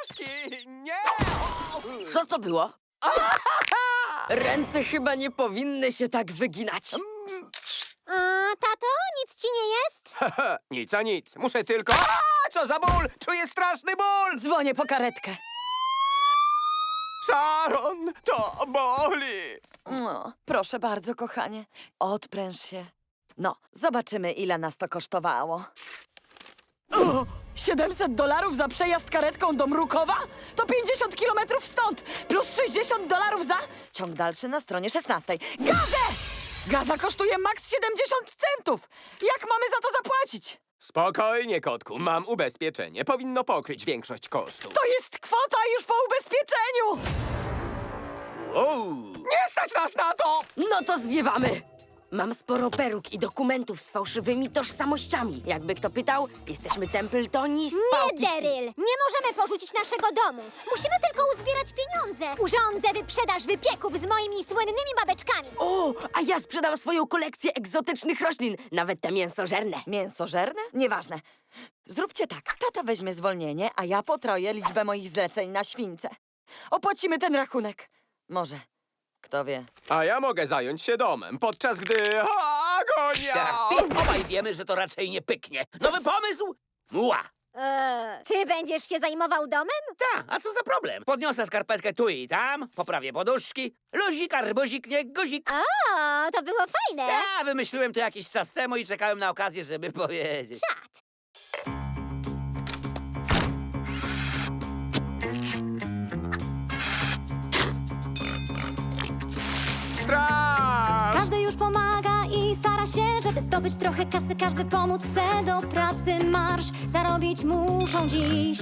poduszki! Nie! Co to było? Ręce chyba nie powinny się tak wyginać. Tato, nic ci nie jest? Nic a nic. Muszę tylko... Co za ból! Czuję straszny ból! Dzwonię po karetkę. Sharon, to boli! No, proszę bardzo, kochanie. Odpręż się. No, zobaczymy, ile nas to kosztowało. O, $700 za przejazd karetką do Mrukowa? To 50 kilometrów stąd! Plus $60 za... Ciąg dalszy na stronie 16. Gazę! Gaza kosztuje maks 70 centów! Jak mamy za to zapłacić? Spokojnie, kotku. Mam ubezpieczenie. Powinno pokryć większość kosztów. To jest kwota już po ubezpieczeniu! Wow. Nie stać nas na to! No to zwiewamy! Mam sporo peruk i dokumentów z fałszywymi tożsamościami. Jakby kto pytał, jesteśmy Templetoni z Nie, Poughkeepsie. Daryl! Nie możemy porzucić naszego domu. Musimy tylko uzbierać pieniądze. Urządzę wyprzedaż wypieków z moimi słynnymi babeczkami. O, a ja sprzedam swoją kolekcję egzotycznych roślin, nawet te mięsożerne. Mięsożerne? Nieważne. Zróbcie tak. Tata weźmie zwolnienie, a ja potroję liczbę moich zleceń na śwince. Opłacimy ten rachunek. Może. Kto wie. A ja mogę zająć się domem, podczas gdy... Agonia! Tak, obaj wiemy, że to raczej nie pyknie. Nowy pomysł? Ła! Ty będziesz się zajmował domem? Ta, a co za problem? Podniosę skarpetkę tu i tam, poprawię poduszki. Luzik, arbuzik, nie guzik. O, to było fajne. Ja wymyśliłem to jakiś czas temu i czekałem na okazję, żeby powiedzieć. Czad. Straż! Każdy już pomaga i stara się, żeby zdobyć trochę kasy. Każdy pomóc chce, do pracy marsz zarobić muszą dziś.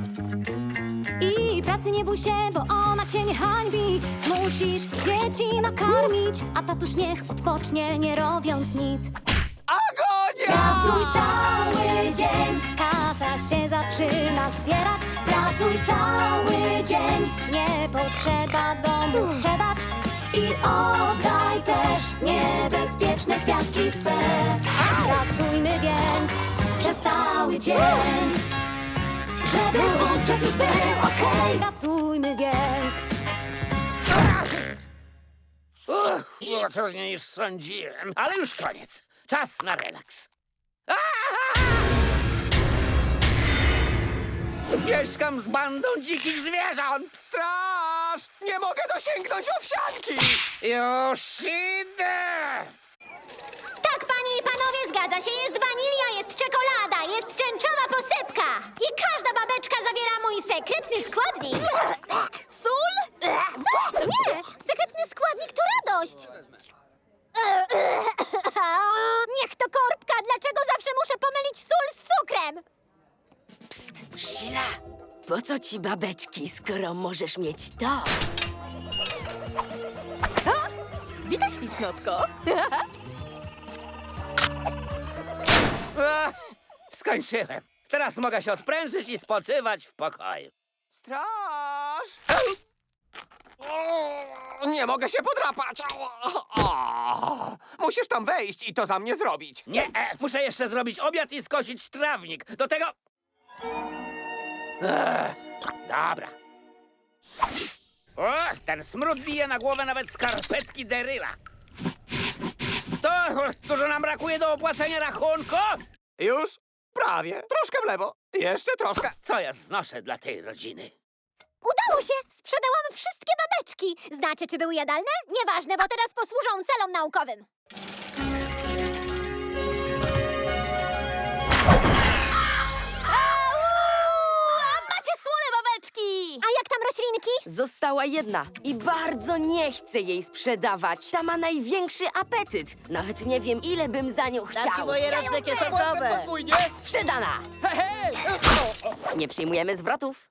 I pracy nie bój się, bo ona cię nie hańbi. Musisz dzieci nakarmić, a tatuś niech odpocznie, nie robiąc nic. Agonia! Pracuj cały dzień, kasa się zaczyna zbierać. Pracuj cały dzień, nie potrzeba domu sprzedać. I oddaj też niebezpieczne kwiatki swe. Pracujmy więc przez cały dzień, żeby budżet już był okej. Pracujmy więc. Było trudniej niż sądziłem, ale już koniec. Czas na relaks. Mieszkam z bandą dzikich zwierząt. Straż! Nie mogę dosięgnąć owsianki! Już idę! Tak, panie i panowie, zgadza się. Jest wanilia, jest czekolada, jest tęczowa posypka. I każda babeczka zawiera mój sekretny składnik. Sól? Nie, sekretny składnik to radość. Niech to korbka. Dlaczego zawsze muszę pomylić sól z cukrem? Psst, Sheila, po co ci babeczki, skoro możesz mieć to? Witaj, ślicznotko. Skończyłem. Teraz mogę się odprężyć i spoczywać w pokoju. Straż! Nie mogę się podrapać! Musisz tam wejść i to za mnie zrobić. Nie, muszę jeszcze zrobić obiad i skosić trawnik. Do tego... Dobra. Ten smród bije na głowę nawet skarpetki Daryla. To dużo nam brakuje do opłacenia rachunku? Już? Prawie. Troszkę w lewo. Jeszcze troszkę. Co ja znoszę dla tej rodziny? Udało się! Sprzedałam wszystkie babeczki. Znacie, czy były jadalne? Nieważne, bo teraz posłużą celom naukowym. Macie słone babeczki! A jak tam roślinki? Została jedna i bardzo nie chcę jej sprzedawać. Ta ma największy apetyt. Nawet nie wiem, ile bym za nią chciał. racje kieszonkowe. Sprzedana! Nie przyjmujemy zwrotów.